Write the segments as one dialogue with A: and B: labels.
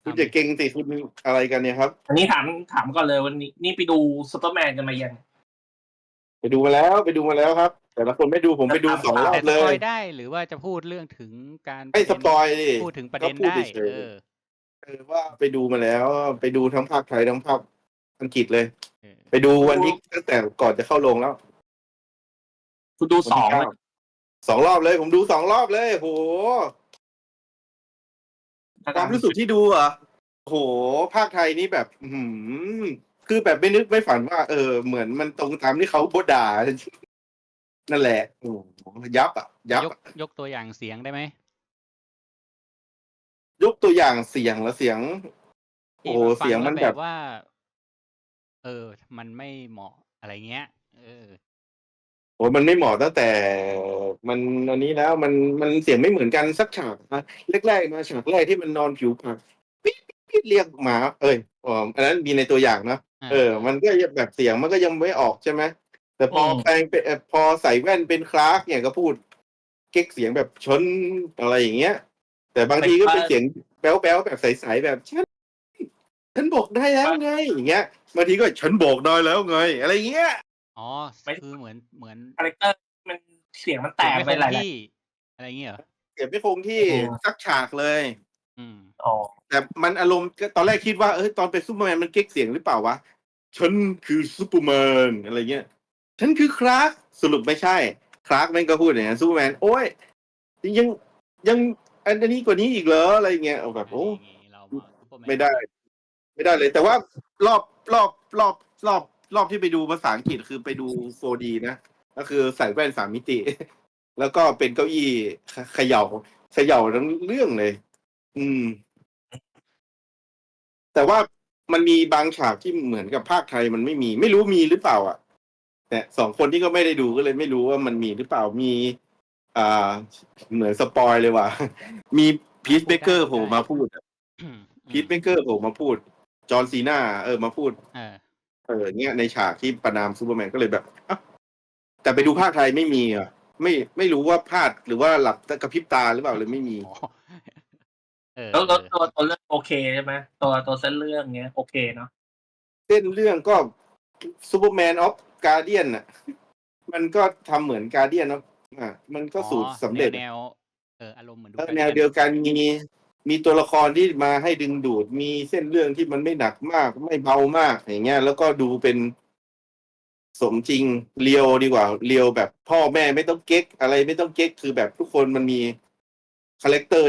A: คุณจะเก่งสิคุณอะไรกันเนี่ยครับ
B: อันนี้ถามก่อนเลยวันนี้นี่ไปดูซูเปอร์แมนกันมายัง
A: ไปดูมาแล้วครับ แต่ละคนไม่ดูผมไปดู2 รอบ
C: แต่ส
A: เล
C: ปอย
A: ย
C: ได้หรือว่าจะพูดเรื่องถึงการป
A: ไม่
C: ระ
A: ส
C: เด็น
A: ปอยดิ
C: พูดถึงประ
A: ก็
C: เด็น
A: พูด
C: ได้
A: เฉยๆว่าไปดูมาแล้วไปดูทั้งภาคไทยทั้งภาคอังกฤษเลย ไปดูวันที่ตั้งแต่ก่อนจะเข้าโรงแล้ว
B: คุณดู
A: วันที่
B: 2
A: 2 รอบเลย ผมดู2 รอบเลยโหความรู้สึกที่ดูอ่ะโหภาคไทยนี่แบบคือแบบไม่นึกไม่ฝันว่าเหมือนมันตรงตามที่เขาโพสด่านั่นแหละโอ้ยับ
C: ยกตัวอย่างเสียงได้ไหม
A: ยกตัวอย่างเสียงแล้วเสียงโอ้เสียงมันแบบ
C: ว่ามันไม่เหมาะอะไรเงี้ย
A: โอ้มันไม่เหมาะตั้งแต่มันอันนี้แล้วมันเสียงไม่เหมือนกันสักฉากนะแรกๆมาฉากแรกที่มันนอนผิวปากปิ๊ดเรียกหมาอันนั้นมีในตัวอย่างนะมันก็แบบเสียงมันก็ยังไม่ออกใช่ไหมแต่พอแปลงเป็นพอใส่แว่นเป็นคลาร์กเนี่ยก็พูดเก๊กเสียงแบบชนอะไรอย่างเงี้ยแต่บางทีก็เป็นเสียงแป๊วๆแบบใสๆแบบฉันบอกได้แล้วไงอย่างเงี้ยบางทีก็ฉันบอกได้แล้วไงอะไรเงี้ย
C: อ๋อคือเหมือน
B: คาแรคเตอร์มันเสียงมันแตกไปหลาย
C: อะไรเงี้ยเหรอ
A: เก็บไม่คงที่สักฉากเลยแต่มันอารมณ์ตอนแรกคิดว่าตอนเป็นซูเปอร์แมนมันเก๊กเสียงหรือเปล่าวะฉันคือซูเปอร์แมนอะไรเงี้ยฉันคือคลาร์กสรุปไม่ใช่คลาร์กแม่งก็พูดอย่างนั้นซูเปอร์แมนโอ้ยยังอันนี้กว่านี้อีกเหรออะไรเงี้ยแบบโอ้ไม่ได้เลยแต่ว่ารอบที่ไปดูภาษาอังกฤษคือไปดู 4D นะก็คือใส่แว่น3 มิติแล้วก็เป็นเก้าอี้เขย่าทั้งเรื่องเลยแต่ว่ามันมีบางฉากที่เหมือนกับภาคไทยมันไม่รู้มีหรือเปล่าอ่ะแต่2 คนที่ก็ไม่ได้ดูก็เลยไม่รู้ว่ามันมีหรือเปล่ามีเหมือนสปอยเลยว่ะมีพีทเบเกอร์โผล่มาพูดพีทเบเกอร์โผล่มาพูดจอห์นซีน่ามาพูดเงี้ยในฉากที่ประนามซูเปอร์แมนก็เลยแบบแต่ไปดูภาคไทยไม่มีอ่ะไม่รู้ว่าพลาดหรือว่าหลับกระพริบตาหรือเปล่าเลยไม่มี
B: แล้วตัวเรื่องโอเคใช่ไหมตัวเส้นเรื่องเงี้ยโอเคเนาะ
A: เส้นเรื่องก็ซูเปอร์แมนออฟการ์เดียนอ่ะมันก็ทำเหมือนการ์เดียนเนาะมันก็สูตรสำเร็จ
C: แนวอารมณ์เหมือนดู
A: แนวเดียวกันมีตัวละครที่มาให้ดึงดูดมีเส้นเรื่องที่มันไม่หนักมากไม่เบามากอย่างเงี้ยแล้วก็ดูเป็นสมจริงเรียวดีกว่าเรียวแบบพ่อแม่ไม่ต้องเก๊กอะไรไม่ต้องเก๊กคือแบบทุกคนมันมีคาแรคเตอร์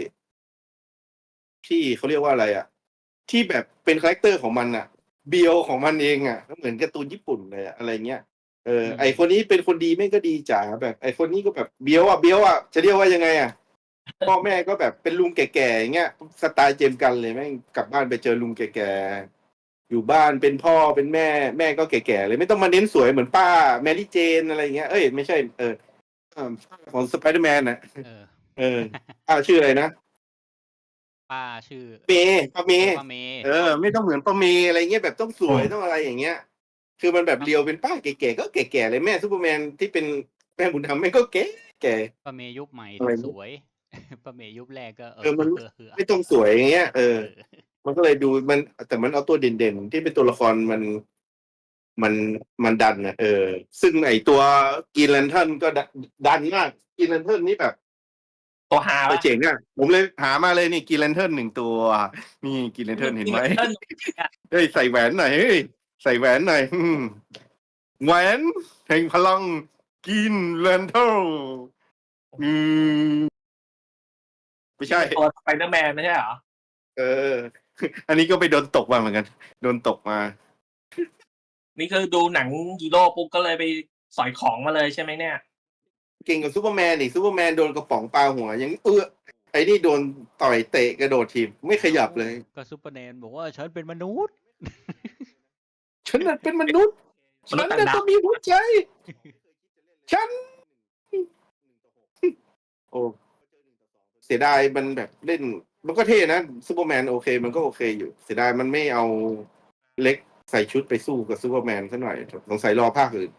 A: ที่เขาเรียกว่าอะไรอ่ะที่แบบเป็นคาแรคเตอร์ของมันอ่ะเบียวของมันเองอ่ะก็เหมือนการ์ตูนญี่ปุ่นเลยอะไรเงี้ยไอคนนี้เป็นคนดีไม่ก็ดีจ๋าแบบไอคนนี้ก็แบบเบียวอ่ะจะเรียกว่ายังไงอ่ะพ่อแม่ก็แบบเป็นลุงแก่ๆอย่างเงี้ยสไตล์เจมกันเลยแม่งกลับบ้านไปเจอลุงแก่ๆอยู่บ้านเป็นพ่อเป็นแม่ก็แก่ๆเลยไม่ต้องมาเน้นสวยเหมือนป้าแมรี่เจนอะไรเงี้ยไม่ใช่ของสไปเดอร์แมนน่ะป้าชื่ออะไรนะ
C: ป้าชื่อ
A: ป้าเมย์ไม่ต้องเหมือนป้าเมย์อะไรเงี้ยแบบต้องสวยต้องอะไรอย่างเงี้ยคือมันแบบเรียวเป็นป้าแก่ๆก็แก่ๆเลยแม่ซูเปอร์แมนที่เป็นแม่บุญธรรมแม่ก็แก่
C: ป้าเมย์ยุคใหม่สวยป้าเมย์ยุคแรกก็
A: มันไม่ต้องสวยอย่างเงี้ยมันก็เลยดูมันแต่มันเอาตัวเด่นๆที่เป็นตัวละครมันดันนะซึ่งไอตัวกรีนแลนเทิร์นก็ดันมากกรีนแลนเทิร์นนี่แบบ
B: ตัวหา
A: เจ๋งอ่ะผมเลยหามาเลยนี่กรีนแลนเทิร์น1 ตัวนี่กรีนแลนเทิร์นเห็นไหมใส่แหวนหน่อยใส่แหวนหน่อยแหวนแห่งพลังกรีนแลนเทิร์นไม่ใช่
B: ตัวสไปเดอร์แมนไม่ใช่เหรอ
A: อันนี้ก็ไปโดนตกมาเหมือนกันโดนตกมา
B: นี่คือดูหนังฮีโร่ปุ๊บก็เลยไปสอยของมาเลยใช่ไหมเนี่ย
A: เก่งกับซูเปอร์แมนอีกซูเปอร์แมนโดนกระป๋องปลาหัวยังไอ้นี่โดนต่อยเตะกระโดดถีบไม่ขยับเลย
C: ก็ซูเปอร์แมนบอกว่าฉันเป็นมนุษย์
A: ฉันเป็นมนุษย์ฉันต้องมีหัวใจฉันโอ้เสียดายมันแบบเล่นมันก็เท่นะซูเปอร์แมนโอเคมันก็โอเคอยู่เสียดายมันไม่เอาเล็กใส่ชุดไปสู้กับซูเปอร์แมนซะหน่อยสงสัยรอภาคอื่น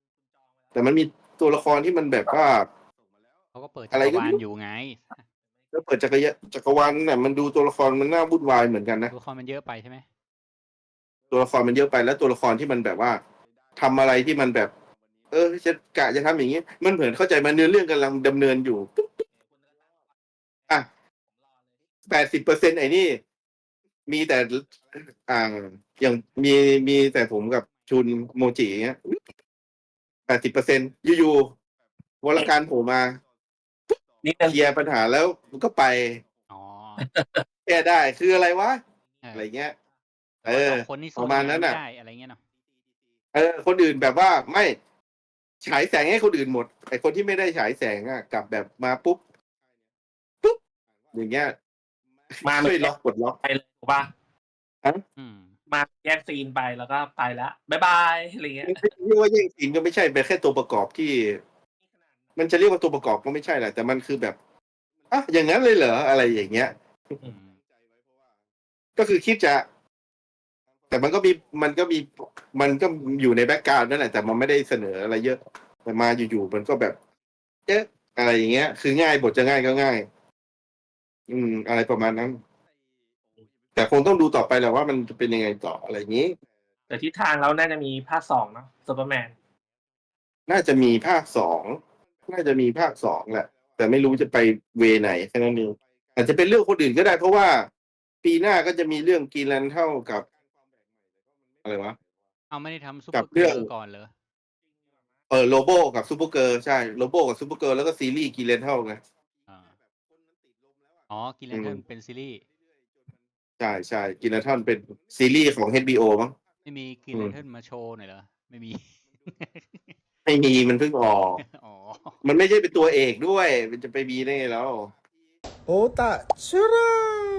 A: แต่มันมีตัวละครที่มันแบบว่า
C: เขาก็เปิดจักรวาลอยู่ไง
A: แล้วเปิดจักรวาลเนี่ยมันดูตัวละครมันน่าวุ่นวายเหมือนกันนะ
C: ตัวละครมันเยอะไปใช่ไหม
A: ตัวละครมันเยอะไปแล้วตัวละครที่มันแบบว่าทำอะไรที่มันแบบ จะทำอย่างนี้มันเหมือนเข้าใจมันเนื้อเรื่องกำลังดำเนินอยู่ปุ๊บอ่ะ80%ไอ้นี่ มีแต่อย่างมีแต่ผมกับชุนโมจิอย่างเงี้ย80%อยู่ๆวรการโผล่มา
B: นิดนึง
A: เคลียร์ปัญหาแล้วมันก็ไป
C: อ๋อ
A: แก้ได้คืออะไรวะ
C: เออ
A: อะไรเงี้ย
C: แต่ว่าสองคนนี่
A: ป
C: สู้
A: ระมาณนั้น
C: ไม่
A: น่ะ
C: ได้อะไรเงี้ยเนาะ
A: คนอื่นแบบว่าไม่ฉายแสงให้คนอื่นหมดไอ้คนที่ไม่ได้ฉายแสงอ่ะกลับแบบมาปุ๊บอย่างเงี้ย
B: มา
A: ช่วยล็อกกดล็อก
B: ไปเลยถูกป่ะ
C: อืม
B: มาแยกซีนไปแล้วก็ไปแล้วบ๊ายบายอะไรเงี้ย
A: เรียกว่าแย่งซีนก็ไม่ใช่เป็นแค่ตัวประกอบที่ มันจะเรียกว่าตัวประกอบก็ไม่ใช่แหละแต่มันคือแบบอ่ะอย่างนั้นเลยเหรออะไรอย่างเงี้ย
C: อืม
A: ก็คือคิดจะ แต่มันก็อยู่ในแบ็กกราวด์นั่นแหละแต่มันไม่ได้เสนออะไรเยอะแต่มาอยู่ๆมันก็แบบอะไรอย่างเงี้ย คือง่ายบทจะง่ายก็ง่าย อะไรประมาณนั้น แต่คงต้องดูต่อไปแหละว่ามันจะเป็นยังไงต่ออะไรอย่างนี้
B: แต่ทิศทางเราน่าจะมีภาค2เนาะซูเปอร์แมน
A: น่าจะมีภาคสองแหละ แต่ไม่รู้จะไปเวไหนแค่นั้นเองอาจจะเป็นเรื่องคนอื่นก็ได้ เพราะว่าปีหน้าก็จะมีเรื่องกรีนแลนด์เท่ากับอะไรวะ
C: เอาไม่ได้ทำซุป
A: กั
C: เป
A: บ
C: อร์
A: เรื่
C: เกิ
A: อง
C: ร์ลก่อนเหรอ
A: โลโบกับซูเปอร์เกิร์ลใช่โลโบกับซูเปอร์เกิร์ลแล้วก็ซีรีส์กรีนแลนด์เท่าไง
C: อ่าอ๋อกินแลนเทิร์นเป็นซีรีส์
A: ใช่กรีนแลนด์เป็นซีรีส์ของ HBO มั้ง
C: ไม่มีกินแลนเทิร์นมาโชว์หน่อยเหรอ ไม่มี
A: ไม่มีมันเพิ่งออก
C: อ๋อ
A: มันไม่ใช่เป็นตัวเอกด้วย มันจะไปมีได้ไงแล้ว
D: โอตะชรา